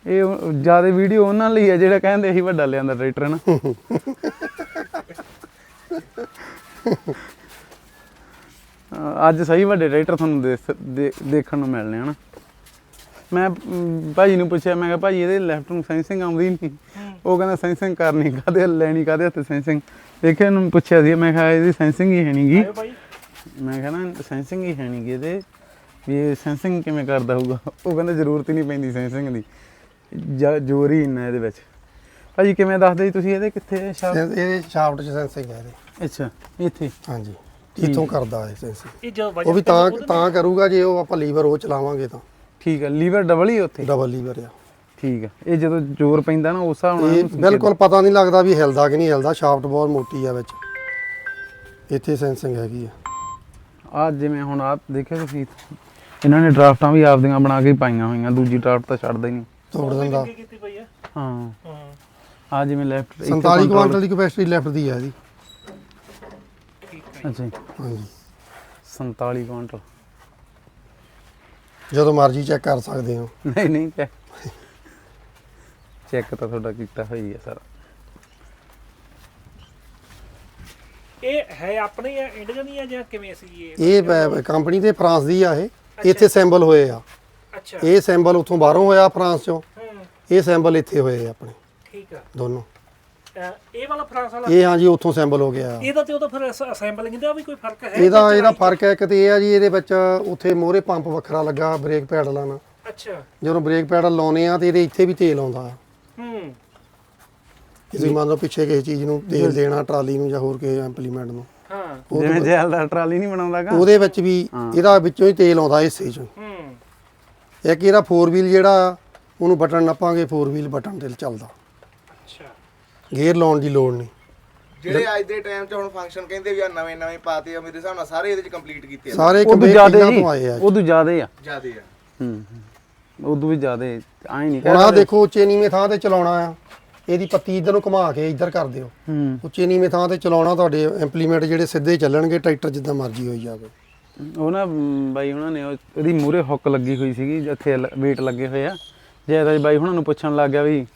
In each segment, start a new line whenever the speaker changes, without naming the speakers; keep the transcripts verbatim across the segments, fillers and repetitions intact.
ਇਹ ਜਿਆਦਾ ਵੀਡੀਓ ਉਹਨਾਂ ਲਈ ਆ ਜਿਹੜਾ ਕਹਿੰਦੇ ਅਸੀਂ ਵੱਡਾ ਲਿਆਂਦਾ ਟਰੈਕਟਰ ਨਾ। ਅੱਜ ਸਹੀ ਵੱਡੇ ਟਰੈਕਟਰ ਤੁਹਾਨੂੰ ਦੇਖਣ ਨੂੰ ਮਿਲਣੇ ਹਨ। ਮੈਂ ਭਾਜੀ ਨੂੰ ਪੁੱਛਿਆ, ਮੈਂ ਕਿਹਾ ਭਾਜੀ ਇਹਦੇ ਲੈਫਟ ਨੂੰ ਸੈਂਸਿੰਗ ਆਉਂਦੀ ਨਹੀਂ। ਉਹ ਕਹਿੰਦਾ ਸੈਂਸਿੰਗ ਕਰਨੀ ਕਾਹਦੇ ਲੈਣੀ ਕਾਹਦੇ ਹੱਥ ਸੈਂਸਿੰਗ। ਦੇਖਿਆ ਇਹਨੂੰ ਪੁੱਛਿਆ ਸੀ, ਮੈਂ ਕਿਹਾ ਇਹਦੀ ਸੈਂਸਿੰਗ ਹੀ ਹੈ ਨਹੀਂ ਗੀ। ਮੈਂ ਕਿਹਾ ਨਾ ਸੈਂਸਿੰਗ ਹੀ ਹੈ ਨਹੀਂ ਗੀ ਇਹਦੇ, ਵੀ ਇਹ ਸੈਂਸਿੰਗ ਕਿਵੇਂ ਕਰਦਾ ਹੋਊਗਾ। ਉਹ ਕਹਿੰਦਾ ਜ਼ਰੂਰਤ ਹੀ ਨਹੀਂ ਪੈਂਦੀ ਸੈਂਸਿੰਗ ਦੀ, ਜਾਂ ਜ਼ੋਰ ਹੀ ਇੰਨਾ ਇਹਦੇ ਵਿੱਚ। ਭਾਜੀ ਕਿਵੇਂ ਦੱਸਦੇ ਜੀ ਤੁਸੀਂ ਇਹਦੇ ਕਿੱਥੇ ਸ਼ਾਫਟ?
ਇਹਦੇ ਸ਼ਾਫਟ 'ਚ ਸੈਂਸਿੰਗ ਹੈ ਇਹਦੇ।
ਅੱਛਾ ਇੱਥੇ? ਹਾਂਜੀ
ਇੱਥੋਂ ਕਰਦਾ ਹੈ ਸੈਂਸਿੰਗ। ਉਹ ਵੀ ਤਾਂ ਤਾਂ ਕਰੂਗਾ ਜੇ ਉਹ ਆਪਾਂ ਲੀਵਰ ਉਹ ਚਲਾਵਾਂਗੇ ਤਾਂ। ਠੀਕ
ਹੈ, ਲੀਵਰ ਡਬਲ ਹੀ ਉੱਥੇ?
ਡਬਲ ਲੀਵਰ ਆ।
ਠੀਕ ਹੈ, ਇਹ ਜਦੋਂ ਜ਼ੋਰ ਪੈਂਦਾ ਨਾ ਉਸ ਹਿਸਾਬ ਨਾਲ
ਬਿਲਕੁਲ ਪਤਾ ਨਹੀਂ ਲੱਗਦਾ ਵੀ ਹਿਲਦਾ ਕਿ ਨਹੀਂ ਹਿਲਦਾ। ਸ਼ਾਫਟ ਬਹੁਤ ਮੋਟੀ ਆ ਵਿੱਚ, ਇੱਥੇ ਸੈਂਸਿੰਗ ਹੈਗੀ ਆ।
ਆ ਜਿਵੇਂ ਹੁਣ ਆਹ ਦੇਖਿਆ ਤੁਸੀਂ, ਇਹਨਾਂ ਨੇ ਡਰਾਫਟਾਂ ਵੀ ਆਪਦੀਆਂ ਬਣਾ ਕੇ ਪਾਈਆਂ ਹੋਈਆਂ, ਦੂਜੀ ਡਰਾਫਟ ਤਾਂ ਛੱਡਦਾ ਹੀ ਨਹੀਂ, ਤੋੜ ਦਿੰਦਾ। ਹਾਂ ਆ ਜਿਵੇਂ ਲੈਫਟ
ਸੰਤਾਲੀ ਕੁਆਂਟਲ ਦੀ ਕਪੈਸਿਟੀ ਲੈਫਟ ਦੀ ਹੈ ਇਹਦੀ।
ਅੱਛਾ
ਹਾਂਜੀ
ਸੰਤਾਲੀ ਕੁਆਂਟਲ।
ਜਦੋਂ ਮਰਜ਼ੀ ਚੈੱਕ ਕਰ ਸਕਦੇ ਹੋ।
ਨਹੀਂ ਨਹੀਂ ਚੈੱਕ ਚੈੱਕ ਤਾਂ ਤੁਹਾਡਾ ਕੀਤਾ ਹੋਈ ਹੈ ਸਾਰਾ।
ਇਹ ਹੈ ਆਪਣੀ ਆ ਇੰਡੀਅਨ ਦੀ ਆ ਜਾਂ ਕਿਵੇਂ ਸੀ ਇਹ?
ਇਹ ਕੰਪਨੀ ਤੇ ਫਰਾਂਸ ਦੀ ਆ। ਇਹ ਇੱਥੇ ਸੈਂਬਲ ਹੋਏ ਆ।
ਅੱਛਾ
ਇਹ ਸੈਂਬਲ ਉੱਥੋਂ ਬਾਹਰੋਂ ਹੋਇਆ ਫਰਾਂਸ ਚੋਂ, ਇਹ ਸੈਂਬਲ ਇੱਥੇ ਹੋਏ ਆਪਣੇ।
ਠੀਕ ਆ
ਦੋਨੋਂ।
ਇਹ ਵਾਲਾ ਫਰਾਂਸ ਵਾਲਾ?
ਇਹ ਹਾਂਜੀ ਉੱਥੋਂ ਸੈਂਬਲ ਹੋ ਗਿਆ।
ਇਹਦਾ ਤੇ ਉਹਦਾ ਫਿਰ ਅਸੈਂਬਲਿੰਗ ਦਾ ਵੀ ਕੋਈ ਫਰਕ ਹੈ?
ਇਹਦਾ ਇਹਦਾ ਫਰਕ ਹੈ ਇੱਕ ਤੇ ਇਹ ਆ ਜੀ, ਇਹਦੇ ਵਿੱਚ ਉੱਥੇ ਮੋਹਰੇ ਪੰਪ ਵੱਖਰਾ ਲੱਗਾ ਬ੍ਰੇਕ ਪੈਡਲਾਂ ਨਾਲ।
ਅੱਛਾ
ਜਦੋਂ ਬ੍ਰੇਕ ਪੈਡਲ ਲਾਉਨੇ ਆ ਤੇ ਇਹਦੇ ਇੱਥੇ ਵੀ ਤੇਲ ਆਉਂਦਾ।
ਹੂੰ
ਤੁਸੀਂ ਮੰਨ ਲਓ ਪਿੱਛੇ ਕਿਸੇ ਚੀਜ਼ ਨੂੰ ਤੇਲ ਦੇਣਾ, ਟਰਾਲੀ ਨੂੰ ਜਾਂ ਹੋਰ ਕਿਸੇ ਇੰਪਲੀਮੈਂਟ ਨੂੰ।
ਹਾਂ
ਜਿਵੇਂ ਜੈਲ ਦਾ ਟਰਾਲੀ ਨਹੀਂ ਬਣਾਉਂਦਾਗਾ,
ਉਹਦੇ ਵਿੱਚ ਵੀ ਇਹਦਾ ਵਿੱਚੋਂ ਹੀ ਤੇਲ ਆਉਂਦਾ ਹਿੱਸੇ ਚੋਂ।
ਹੂੰ
ਇੱਕ ਇਹਦਾ ਫੋਰ ਵੀਲ ਜਿਹੜਾ ਉਹਨੂੰ ਬਟਨ ਨੱਪਾਂਗੇ, ਫੋਰ ਵੀਲ ਬਟਨ ਤੇ ਚੱਲਦਾ।
ਅੱਛਾ
ਗੇਅਰ ਲਾਉਣ ਦੀ ਲੋੜ ਨਹੀਂ।
ਜਿਹੜੇ ਅੱਜ ਦੇ ਟਾਈਮ 'ਚ ਹੁਣ ਫੰਕਸ਼ਨ ਕਹਿੰਦੇ ਵੀ ਆ ਨਵੇਂ ਨਵੇਂ ਪਾਤੇ ਆ, ਮੇਰੇ ਹਿਸਾਬ ਨਾਲ ਸਾਰੇ ਇਹਦੇ 'ਚ ਕੰਪਲੀਟ ਕੀਤੇ ਆ।
ਸਾਰੇ
ਉਦੋਂ ਜ਼ਿਆਦੇ
ਤੋਂ ਆਏ ਆ।
ਉਦੋਂ ਜ਼ਿਆਦੇ ਆ
ਜ਼ਿਆਦੇ ਆ।
ਹੂੰ ਉਦੋਂ ਵੀ ਜ਼ਿਆਦੇ ਆਏ ਨਹੀਂ।
ਹੁਣ ਆਹ ਦੇਖੋ ਉੱਚੇ ਨੀਵੇਂ ਥਾਂ ਤੇ ਚਲਾਉਣਾ ਆ, ਇਹਦੀ ਪੱਤੀ ਇੱਧਰ ਨੂੰ ਘੁਮਾ ਕੇ ਇੱਧਰ ਕਰ ਦਿਓ।
ਹੂੰ
ਉੱਚੇ ਨੀਵੇਂ ਥਾਂ ਤੇ ਚਲਾਉਣਾ, ਤੁਹਾਡੇ ਇੰਪਲੀਮੈਂਟ ਜਿਹੜੇ ਸਿੱਧੇ ਚੱਲਣਗੇ, ਟਰੈਕਟਰ ਜਿੱਦਾਂ ਮਰਜ਼ੀ ਹੋਈ ਜਾਵੇ।
ਉਹ ਨਾ ਬਾਈ ਉਹਨਾਂ ਨੇ ਉਹਦੀ ਮੂਹਰੇ ਹੁੱਕ ਲੱਗੀ ਹੋਈ ਸੀਗੀ, ਜਿੱਥੇ ਵੇਟ ਲੱਗੇ ਹੋਏ ਆ। ਜੈਦਾ ਬਾਈ ਉਹਨਾਂ ਨੂੰ ਪੁੱਛਣ ਲੱਗ ਗਿਆ ਵੀ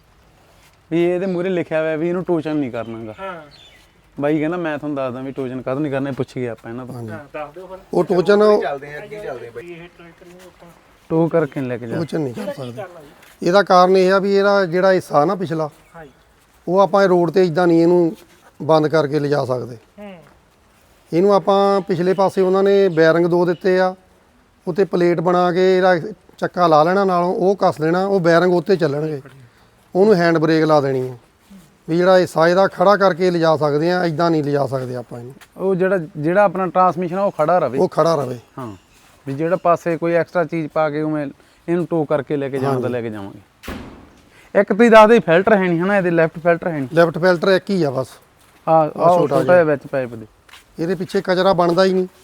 ਵੀ ਇਹਦੇ ਮੂਹਰੇ ਲਿਖਿਆ ਹੋਇਆ ਵੀ ਇਹਨੂੰ ਟੋਚਨ ਨਹੀਂ ਕਰਨਾਗਾ।
ਹਾਂ
ਬਾਈ ਕਹਿੰਦਾ ਮੈਂ ਤੁਹਾਨੂੰ ਦੱਸਦਾ ਵੀ ਟੋਚਨ ਕਦ ਨਹੀਂ ਕਰਨਾ, ਪੁੱਛ ਗਿਆ ਆਪਾਂ ਇਹਨਾਂ ਤੋਂ।
ਹਾਂ ਦੱਸ ਦਿਓ ਫਿਰ।
ਉਹ ਟੋਚਨ
ਚੱਲਦੇ ਆ ਅੱਗੇ ਚੱਲਦੇ ਬਈ।
ਇਹ ਟਰੈਕਟਰ ਨੂੰ ਆਪਾਂ
ਟੋ ਕਰਕੇ ਲੈ ਕੇ ਜਾ।
ਟੋਚਨ ਨਹੀਂ ਕਰ ਸਕਦੇ।
ਕਰਨਾ ਜੀ।
ਇਹਦਾ ਕਾਰਨ ਇਹ ਆ ਵੀ ਇਹਦਾ ਜਿਹੜਾ ਹਿੱਸਾ ਨਾ ਪਿਛਲਾ,
ਹਾਂਜੀ
ਉਹ ਆਪਾਂ ਇਹ ਰੋਡ ਤੇ ਇਦਾਂ ਨਹੀਂ ਇਹਨੂੰ ਬੰਦ ਕਰਕੇ ਲਿਜਾ ਸਕਦੇ।
ਹੂੰ
ਇਹਨੂੰ ਆਪਾਂ ਪਿਛਲੇ ਪਾਸੇ ਉਹਨਾਂ ਨੇ ਬੈਰਿੰਗ ਦੋ ਦਿੱਤੇ ਆ, ਉੱਤੇ ਪਲੇਟ ਬਣਾ ਕੇ ਇਹਦਾ ਚੱਕਾ ਲਾ ਲੈਣਾ, ਨਾਲੋਂ ਉਹ ਕੱਸ ਦੇਣਾ, ਉਹ ਬੈਰਿੰਗ ਉੱਤੇ ਚੱਲਣਗੇ। ਉਹਨੂੰ ਹੈਂਡ ਬ੍ਰੇਕ ਲਾ ਦੇਣੀ ਆ ਵੀ ਜਿਹੜਾ ਹਿੱਸਾ ਇਹਦਾ ਖੜਾ ਕਰਕੇ ਲਿਜਾ ਸਕਦੇ ਆ, ਇਦਾਂ ਨਹੀਂ ਲਿਜਾ ਸਕਦੇ ਆਪਾਂ ਇਹਨੂੰ।
ਉਹ ਜਿਹੜਾ ਜਿਹੜਾ ਆਪਣਾ ਟਰਾਂਸਮਿਸ਼ਨ ਆ ਉਹ ਖੜਾ ਰਵੇ।
ਉਹ ਖੜਾ ਰਵੇ।
ਹਾਂ ਵੀ ਜਿਹੜਾ ਪਾਸੇ ਕੋਈ ਐਕਸਟਰਾ ਚੀਜ਼ ਪਾ ਕੇ ਉਵੇਂ ਇਹਨੂੰ ਟੋ ਕਰਕੇ ਲੈ ਕੇ ਜਾਣ ਦਾ ਲੈ ਕੇ ਜਾਵਾਂਗੇ। ਇੱਕ ਤੁਸੀਂ ਦੱਸਦੇ ਫਿਲਟਰ ਹੈ ਨਹੀਂ ਹਨਾ, ਇਹਦੇ ਲੈਫਟ ਫਿਲਟਰ ਹੈ ਨਹੀਂ।
ਲੈਫਟ ਫਿਲਟਰ ਇੱਕ ਹੀ ਆ ਬਸ।
ਆ ਛੋਟਾ ਜਿਹਾ ਵਿੱਚ ਪਾਈਪ ਦੇ।
ਇਹਦੇ ਪਿੱਛੇ ਕਚਰਾ ਬਣਦਾ ਹੀ ਨਹੀਂ।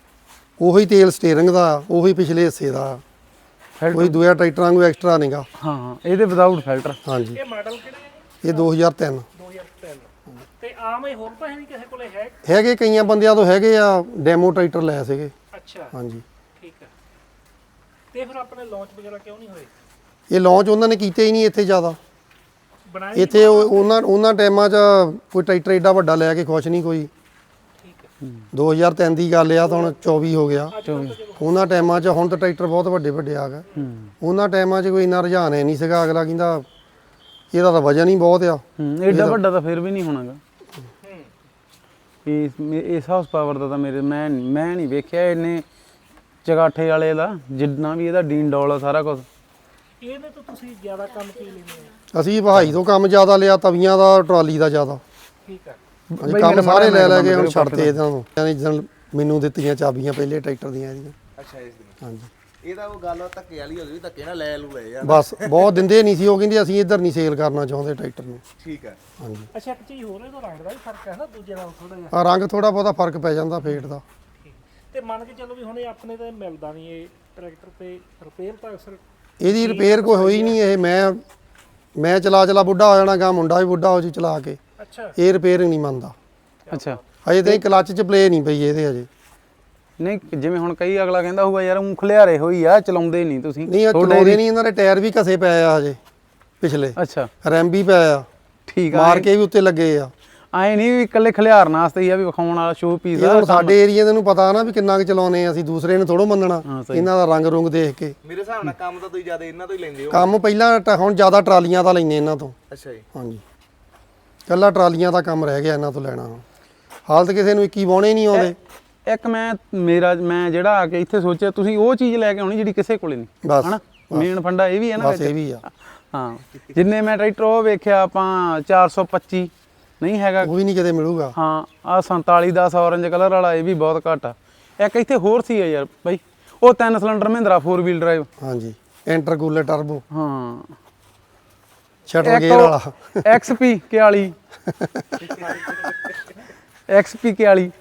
ਉਹੀ ਤੇਲ ਸਟੀਅਰਿੰਗ ਦਾ, ਉਹੀ ਪਿਛਲੇ ਹਿੱਸੇ ਦਾ, ਕੋਈ ਦੂਜਾ ਟਰੈਕਟਰ ਵਾਂਗੂ ਐਕਸਟਰਾ ਨਹੀਂਗਾ।
ਹਾਂ ਹਾਂ ਇਹਦੇ ਵਿਦਆਊਟ ਫਿਲਟਰ।
ਹਾਂਜੀ
ਇਹ ਮਾਡਲ ਕਿਹੜਾ ਹੈ?
ਇਹ ਦੋ ਹਜ਼ਾਰ ਤਿੰਨ।
ਦੋ ਹਜ਼ਾਰ ਤਿੰਨ। ਤੇ ਆਮ ਹੀ ਹੋਰ ਤਾਂ ਹੈ ਨਹੀਂ ਕਿਸੇ ਕੋਲੇ ਹੈ?
ਹੈਗੇ ਕਈਆਂ ਬੰਦਿਆਂ ਤੋਂ ਹੈਗੇ ਆ, ਡੈਮੋ ਟਰੈਕਟਰ ਲਏ ਸੀਗੇ।
ਅੱਛਾ
ਹਾਂਜੀ
ਠੀਕ ਹੈ। ਤੇ ਫਿਰ ਆਪਣੇ ਲਾਂਚ ਵਗੈਰਾ ਕਿਉਂ ਨਹੀਂ ਹੋਏ?
ਇਹ ਲਾਂਚ ਉਹਨਾਂ ਨੇ ਕੀਤੇ ਹੀ ਨਹੀਂ ਇੱਥੇ ਜ਼ਿਆਦਾ।
ਬਣਾਏ
ਇੱਥੇ ਉਹ- ਉਹਨਾਂ ਉਹਨਾਂ ਟਾਈਮਾਂ 'ਚ ਕੋਈ ਟਰੈਕਟਰ ਏਡਾ ਵੱਡਾ ਲੈ ਕੇ ਖੁਸ਼ ਨਹੀਂ ਕੋਈ।
ਠੀਕ ਹੈ।
ਦੋ ਹਜ਼ਾਰ ਤਿੰਨ ਦੀ ਗੱਲ ਆ ਤਾਂ ਹੁਣ ਚੌਵੀ ਹੋ ਗਿਆ। ਉਹਨਾਂ ਟਾਈਮਾਂ 'ਚ ਹੁਣ ਤਾਂ ਟਰੈਕਟਰ ਬਹੁਤ ਵੱਡੇ ਵੱਡੇ ਆ ਗਏ। ਉਹਨਾਂ ਟਾਈਮਾਂ 'ਚ ਕੋਈ ਇੰਨਾ ਰੁਝਾਨ ਹੈ ਨਹੀਂ ਸੀਗਾ। ਅਗਲਾ ਕਹਿੰਦਾ ਇਹਦਾ ਤਾਂ ਵਜਨ ਹੀ ਬਹੁਤ ਆ।
ਹੂੰ ਏਡਾ ਵੱਡਾ ਤਾਂ ਫਿਰ ਵੀ ਨਹੀਂ ਹੋਣਾਗਾ। ਇਸ ਇਸ ਹਾਊਸ ਪਾਵਰ ਦਾ ਤਾਂ ਮੇਰੇ ਮੈਂ ਮੈਂ ਨਹੀਂ ਵੇਖਿਆ ਇਹਨੇ ਚਗਾਠੇ ਵਾਲੇ ਦਾ, ਜਿੰਨਾ ਵੀ ਇਹਦਾ ਡੀਨ ਡੋਲ ਆ ਸਾਰਾ ਕੁਝ।
ਇਹਦੇ ਤੋਂ ਤੁਸੀਂ ਜ਼ਿਆਦਾ ਕੰਮ ਕੀ ਲੈਂਦੇ ਹੋ?
ਅਸੀਂ ਵਹਾਈ ਤੋਂ ਕੰਮ ਜ਼ਿਆਦਾ ਲਿਆ, ਤਵੀਆਂ ਦਾ, ਟਰਾਲੀ ਦਾ ਜ਼ਿਆਦਾ।
ਠੀਕ ਹੈ।
ਹਾਂਜੀ ਕੰਮ ਸਾਰੇ ਲੈ ਲੈ ਕੇ ਹੁਣ ਛੱਡਤੇ ਇਹਨਾਂ ਨੂੰ। ਯਾਨੀ ਜਦੋਂ ਮੈਨੂੰ ਦਿੱਤੀਆਂ ਚਾਬੀਆਂ ਪਹਿਲੇ ਟਰੈਕਟਰ ਦੀਆਂ ਇਹਦੀਆਂ।
ਅੱਛਾ ਇਸ ਦੀ
ਹਾਂਜੀ
ਇਹਦਾ ਉਹ ਗੱਲ ਧੱਕੇ ਵਾਲੀ ਹੋ ਗਈ, ਧੱਕੇ ਨਾਲ ਲੈ ਲੂ ਲਏ ਯਾਰ।
ਬਸ ਬਹੁਤ ਦਿੰਦੇ ਨਹੀਂ ਸੀ। ਉਹ ਕਹਿੰਦੇ ਅਸੀਂ ਇੱਧਰ ਨਹੀਂ ਸੇਲ ਕਰਨਾ ਚਾਹੁੰਦੇ ਟਰੈਕਟਰ ਨੂੰ।
ਠੀਕ ਹੈ।
ਹਾਂਜੀ
ਅੱਛਾ ਇੱਕ ਚੀਜ਼ ਹੋਰ, ਇਹਦਾ ਰੰਗ ਦਾ ਵੀ ਫਰਕ ਹੈ ਨਾ ਦੂਜੇ ਨਾਲ ਥੋੜਾ ਜਿਹਾ?
ਆ ਰੰਗ ਥੋੜਾ ਬਹੁਤਾ ਫਰਕ ਪੈ ਜਾਂਦਾ ਫੇਟ ਦਾ।
ਤੇ ਮੰਨ ਕੇ ਚੱਲੋ ਵੀ ਹੁਣ ਇਹ ਆਪਣੇ ਤੇ ਮਿਲਦਾ ਨਹੀਂ ਇਹ ਟਰੈਕਟਰ, ਤੇ ਰਿਪੇਅਰ ਤਾਂ ਅਕਸਰ
ਇਹਦੀ ਰਿਪੇਅਰ ਕੋਈ ਹੋਈ ਨਹੀਂ। ਇਹ ਮੈਂ ਮੈਂ ਚਲਾ ਚਲਾ ਬੁੱਢਾ ਹੋ ਜਾਣਾ, ਗਾ ਮੁੰਡਾ ਵੀ ਬੁੱਢਾ ਹੋ ਜੀ ਚਲਾ ਕੇ।
ਅੱਛਾ
ਇਹ ਰਿਪੇਅਰਿੰਗ ਨਹੀਂ ਮੰਨਦਾ।
ਅੱਛਾ
ਅਜੇ ਤਾਂ ਕਲੱਚ 'ਚ ਪਲੇ ਨਹੀਂ ਪਈ ਇਹਦੇ ਅਜੇ।
ਨਹੀਂ ਜਿਵੇਂ ਹੁਣ ਕਈ ਅਗਲਾ ਕਹਿੰਦਾ ਹੋਊਗਾ ਯਾਰ ਊਂ ਖਲਿਆਰੇ ਹੋਈ ਆ ਚਲਾਉਂਦੇ ਨਹੀਂ ਤੁਸੀਂ
ਨਹੀਂ ਇਹ ਚਲਾਉਂਦੇ ਨਹੀਂ, ਇਹਨਾਂ ਦੇ ਟਾਇਰ ਵੀ ਘਸੇ ਪਏ ਆ ਹਜੇ ਪਿਛਲੇ,
ਅੱਛਾ
ਰੈਮ ਵੀ ਪਿਆ ਆ,
ਠੀਕ ਆ
ਮਾਰ ਕੇ ਵੀ ਉੱਤੇ ਲੱਗੇ ਆ।
ਐ ਨਹੀਂ ਵੀ ਇਕੱਲੇ ਖਲਿਆਰਨ ਵਾਸਤੇ ਹੀ ਆ ਵੀ ਵਿਖਾਉਣ ਵਾਲਾ ਸ਼ੋਅ ਪੀਸ
ਇਹ
ਆ
ਹੁਣ ਸਾਡੇ ਏਰੀਆ ਦੇ ਨੂੰ ਪਤਾ ਨਾ ਵੀ ਕਿੰਨਾ ਕੁ ਚਲਾਉਨੇ ਆ ਅਸੀਂ, ਦੂਸਰੇ ਨੇ ਥੋੜੋ ਮੰਨਣਾ
ਹਾਂ, ਸਹੀ।
ਇਹਨਾਂ ਦਾ ਰੰਗ ਰੁੰਗ ਦੇਖ ਕੇ।
ਮੇਰੇ ਹਿਸਾਬ ਨਾਲ ਕੰਮ ਤਾਂ ਤੁਸੀਂ ਜ਼ਿਆਦਾ ਇਹਨਾਂ ਤੋਂ ਹੀ ਲੈਂਦੇ ਹੋ।
ਕੰਮ ਪਹਿਲਾਂ ਟ- ਹੁਣ ਜ਼ਿਆਦਾ ਟਰਾਲੀਆਂ ਦਾ ਲੈਂਦੇ ਇਹਨਾਂ ਤੋਂ।
ਅੱਛਾ ਜੀ।
ਹਾਂਜੀ ਕੱਲਾ ਟਰਾਲੀਆਂ ਦਾ ਕੰਮ ਰਹਿ ਗਿਆ ਇਹਨਾਂ ਤੋਂ ਲੈਣਾ। ਹਾਲਤ ਕਿਸੇ ਨੂੰ ਇੱਕੀ ਬਾਉਣੇ ਨਹੀਂ ਆਉਂਦੇ।
ਇੱਕ ਮੈਂ ਮੇਰਾ ਮੈਂ ਜਿਹੜਾ ਆ ਕੇ ਇੱਥੇ ਸੋਚਿਆ ਤੁਸੀਂ ਉਹ ਚੀਜ਼ ਲੈ ਕੇ ਆਉਣੀ ਜਿਹੜੀ ਕਿਸੇ ਕੋਲੇ ਨਹੀਂ,
ਬਸ
ਹਨਾ ਮੇਨ ਫੰਡਾ ਇਹ ਵੀ ਹੈ ਨਾ
ਬਸ ਇਹ ਵੀ ਆ,
ਹਾਂ ਜਿੰਨੇ ਮੈਂ ਟਰੈਕਟਰ ਉਹ ਵੇਖਿਆ ਆਪਾਂ ਚਾਰ ਸੌ ਪੱਚੀ ਨਹੀਂ ਹੈਗਾ,
ਉਹ ਵੀ ਨਹੀਂ ਕਿਤੇ ਮਿਲੂਗਾ।
ਹਾਂ ਆ ਸੰਤਾਲੀ ਦਸ ਔਰੰਜ ਕਲਰ ਵਾਲਾ ਇਹ ਵੀ ਬਹੁਤ ਘੱਟ ਆ। ਇੱਕ ਇੱਥੇ ਹੋਰ ਸੀ ਯਾਰ ਬਾਈ ਉਹ ਤਿੰਨ cylinder Mahindra four wheel drive,
ਹਾਂਜੀ ਇੰਟਰਕੂਲਰ ਟਰਬੋ,
ਹਾਂ
ਸ਼ਟਰ ਗੇਅਰ ਵਾਲਾ,
ਐਕਸ ਪੀ ਇਕਤਾਲੀ ਐਕਸ ਪੀ ਇਕਤਾਲੀ